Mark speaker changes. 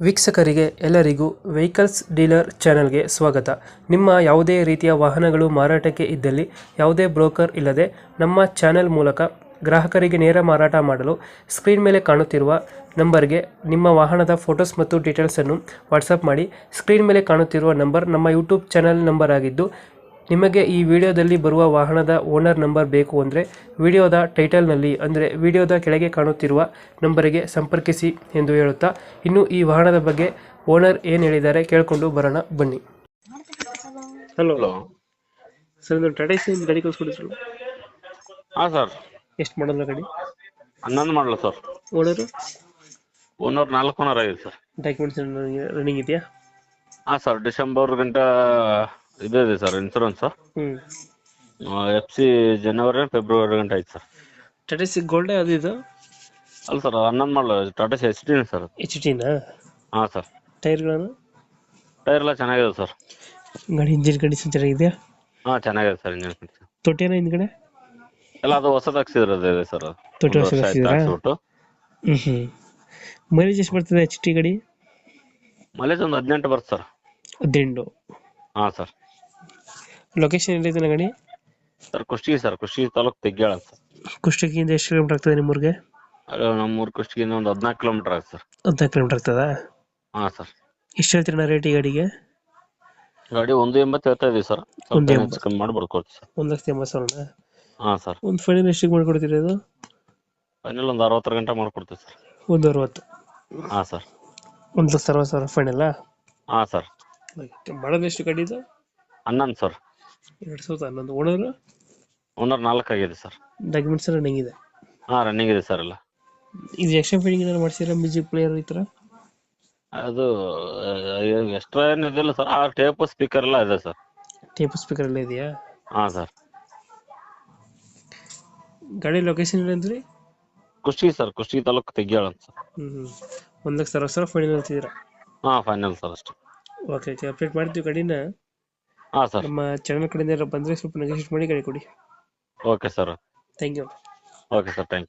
Speaker 1: ವೀಕ್ಷಕರಿಗೆ ಎಲ್ಲರಿಗೂ vehicles dealer ಚಾನೆಲ್ಗೆ ಸ್ವಾಗತ. ನಿಮ್ಮ ಯಾವುದೇ ರೀತಿಯ ವಾಹನಗಳು ಮಾರಾಟಕ್ಕೆ ಇದ್ದಲ್ಲಿ ಯಾವುದೇ ಬ್ರೋಕರ್ ಇಲ್ಲದೆ ನಮ್ಮ ಚಾನೆಲ್ ಮೂಲಕ ಗ್ರಾಹಕರಿಗೆ ನೇರ ಮಾರಾಟ ಮಾಡಲು ಸ್ಕ್ರೀನ್ ಮೇಲೆ ಕಾಣುತ್ತಿರುವ ನಂಬರ್ಗೆ ನಿಮ್ಮ ವಾಹನದ ಫೋಟೋಸ್ ಮತ್ತು ಡೀಟೇಲ್ಸನ್ನು ವಾಟ್ಸಪ್ ಮಾಡಿ. ಸ್ಕ್ರೀನ್ ಮೇಲೆ ಕಾಣುತ್ತಿರುವ ನಂಬರ್ ನಮ್ಮ ಯೂಟ್ಯೂಬ್ ಚಾನೆಲ್ ನಂಬರ್ ಆಗಿದ್ದು, ನಿಮಗೆ ಈ ವಿಡಿಯೋದಲ್ಲಿ ಬರುವ ವಾಹನದ ಓನರ್ ನಂಬರ್ ಬೇಕು ಅಂದರೆ ವಿಡಿಯೋದ ಟೈಟಲ್ನಲ್ಲಿ ಅಂದರೆ ವಿಡಿಯೋದ ಕೆಳಗೆ ಕಾಣುತ್ತಿರುವ ನಂಬರಿಗೆ ಸಂಪರ್ಕಿಸಿ ಎಂದು ಹೇಳುತ್ತಾ, ಇನ್ನು ಈ ವಾಹನದ ಬಗ್ಗೆ ಓನರ್ ಏನು ಹೇಳಿದ್ದಾರೆ ಕೇಳಿಕೊಂಡು ಬರೋಣ ಬನ್ನಿ. Hello
Speaker 2: hello.
Speaker 1: ಸರ್, ಒಂದು ಟಾಟಾ ಸಿ ಗಾಡಿ ಕಳಿಸ್ಕೊಡಿದ್ರು,
Speaker 2: ಹಾಂ ಸರ್,
Speaker 1: ಎಷ್ಟು ಮಾಡಲ್ಲ ಗಾಡಿ?
Speaker 2: 11 ಮಾಡಲ ಸರ್.
Speaker 1: ಓನರು
Speaker 2: ಓನರ್ 4 ಓನರ್ ಆಗಿದೆ ಸರ್.
Speaker 1: ಡಾಕ್ಯುಮೆಂಟ್ಸ್ ರನ್ನಿಂಗ್ ಇದೆಯಾ?
Speaker 2: ಹಾಂ ಸರ್, ಡಿಸೆಂಬರ್ ಗಂಟ ಇದೆ ಸರ್ ಇನ್ಸೂರೆನ್ಸ್. FC ಜನವರಿ ಫೆಬ್ರವರಿ ಗಂಟ ಐತೆ ಸರ್.
Speaker 1: ಟಾಟಾ ಸಿ ಗೋಲ್ಡ್ ಅದು ಇದು?
Speaker 2: ಅಲ್ಲ ಸರ್, 11 ಮಾಡಲ ಟಾಟಾ ಸಿ HD ಸರ್.
Speaker 1: HT-ನಾ?
Speaker 2: ಹಾಂ ಸರ್.
Speaker 1: ಟೈರ್ಗಳನ್ನು?
Speaker 2: ಟೈರ್ ಎಲ್ಲ ಚೆನ್ನಾಗಿದೆ ಸರ್.
Speaker 1: ಗಾಡಿ ಇಂಜಿನ್ ಕಂಡೀಷನ್ ಚೆನ್ನಾಗಿದೆಯಾ?
Speaker 2: ಹಾಂ ಚೆನ್ನಾಗಿದೆ ಸರ್. ಇಂಜಿನ್ ಕಂಡೀಷನ್
Speaker 1: ತೊಟ್ಟಿನ ಹಿಂದ್ಗಡೆ
Speaker 2: ಎಲ್ಲ ಅದು ಹೊಸದು ಹಾಕ್ಸಿರೋದು ಇದೆ ಸರ್.
Speaker 1: ತೊಟ್ಟಿ ಹೊಸ ಹಾಕ್ಸಿದ್ರಾ?
Speaker 2: ಹಾಕ್ಸ್ಬಿಟ್ಟು
Speaker 1: ಮೈಲೇಜ್ ಎಷ್ಟು ಬರ್ತದೆ HT ಗಾಡಿ?
Speaker 2: ಮೈಲೇಜ್ ಒಂದು 18 ಬರುತ್ತೆ ಸರ್.
Speaker 1: 18.
Speaker 2: ಹಾಂ ಸರ್.
Speaker 1: ಲೊಕೇಶನ್ ಎಲ್ಲಿದೆ ಗಾಡಿ?
Speaker 2: Sir Kushtagi sir, Kushtagi taluk Tegyala sir.
Speaker 1: ಕುಷ್ಟಗಿಯಿಂದ ಎಷ್ಟು ಕಿಲೋಮೀಟರ್ ಆಗ್ತದೆ ನಿಮ್ಮೂರಿಗೆ?
Speaker 2: ನಮ್ಮೂರು ಕುಷ್ಟಗಿಯಿಂದ ಒಂದು 14 ಕಿಲೋಮೀಟರ್ ಆಗುತ್ತೆ ಸರ್.
Speaker 1: 14 ಕಿಲೋಮೀಟರ್ ಆಗ್ತದಾ?
Speaker 2: ಹಾಂ ಸರ್.
Speaker 1: ಎಷ್ಟು ಹೇಳ್ತೀರಣ್ಣ ರೇಟ್ ಈ ಗಾಡಿಗೆ?
Speaker 2: ಗಾಡಿ 1.80 ಹೇಳ್ತಾ ಇದೀವಿ ಸರ್. ಸ್ವಲ್ಪ ಹೆಚ್ಚು ಕಮ್ಮಿ ಮಾಡಿ ಬರ್ಕೊಡ್ತೀವಿ ಸರ್.
Speaker 1: 1,80,000?
Speaker 2: ಹಾಂ ಸರ್.
Speaker 1: ಒಂದು ಫೈನಲ್ ಎಷ್ಟಿಗೆ ಮಾಡ್ಕೊಡ್ತೀರಿ ಅದು?
Speaker 2: ಫೈನಲ್ ಒಂದು 60 ಗಂಟೆ ಮಾಡ್ಕೊಡ್ತೀವಿ ಸರ್.
Speaker 1: 1,60,000?
Speaker 2: ಹಾಂ ಸರ್.
Speaker 1: 1,60,000 ಫೈನಲ್ಲಾ?
Speaker 2: ಹಾಂ ಸರ್.
Speaker 1: ಮಾಡೋದು ಎಷ್ಟು ಗಾಡಿ ಇದು?
Speaker 2: 11 ಸರ್.
Speaker 1: 2011. ಓನರು?
Speaker 2: ಓನರ್ 4 ಆಗಿದೆ ಸರ್.
Speaker 1: ಡಾಕ್ಯುಮೆಂಟ್ಸ್ ರನ್ನಿಂಗ್ ಇದೆ?
Speaker 2: ಹಾಂ ರನ್ನಿಂಗ್ ಇದೆ ಸರ್ ಎಲ್ಲ.
Speaker 1: ಇದು ಎಕ್ಸ್ಟ್ರಾ ಫಿಟ್ಟಿಂಗ್ ಏನಾದ್ರು ಮಾಡಿಸಿರ, ಮ್ಯೂಸಿಕ್ ಪ್ಲೇಯರ್ ಈ ಥರ?
Speaker 2: ಅದು ಎಕ್ಸ್ಟ್ರಾ ಏನು ಇದಿಲ್ಲ ಸರ್. ಆ ಟೇಪ್ ಸ್ಪೀಕರ್ ಎಲ್ಲ ಇದೆ ಸರ್.
Speaker 1: ಟೇಪ್ ಸ್ಪೀಕರ್ ಎಲ್ಲ ಇದೆಯಾ?
Speaker 2: ಹಾಂ ಸರ್.
Speaker 1: ಗಾಡಿ ಲೊಕೇಶನ್ ಇಲ್ಲ ಅಂದ್ರಿ?
Speaker 2: ಕುಷ್ಟಗಿ ಸರ್, ಕುಷ್ಟಗಿ ತಾಲೂಕು ತೆಗ್ಯಾಳ ಅಂತ ಸರ್.
Speaker 1: 1,60,000 ಫೈನಲ್ ಅಂತಿದ್ದೀರಾ?
Speaker 2: ಹಾಂ ಫೈನಲ್ ಸರ್ ಅಷ್ಟೇ.
Speaker 1: ಓಕೆ ಓಕೆ, ಅಪ್ಡೇಟ್ ಮಾಡ್ತೀವಿ ಗಾಡಿನ.
Speaker 2: ಹಾಂ ಸರ್.
Speaker 1: ನಮ್ಮ ಚಾನಲ್ ಕಡೆಯಿಂದ ಬಂದರೆ ಸ್ವಲ್ಪ ನೆಗೋಷಿಯೇಟ್ ಮಾಡಿ ಗಾಡಿ ಕೊಡಿ.
Speaker 2: Okay sir.
Speaker 1: Thank you.
Speaker 2: Okay sir, thank you.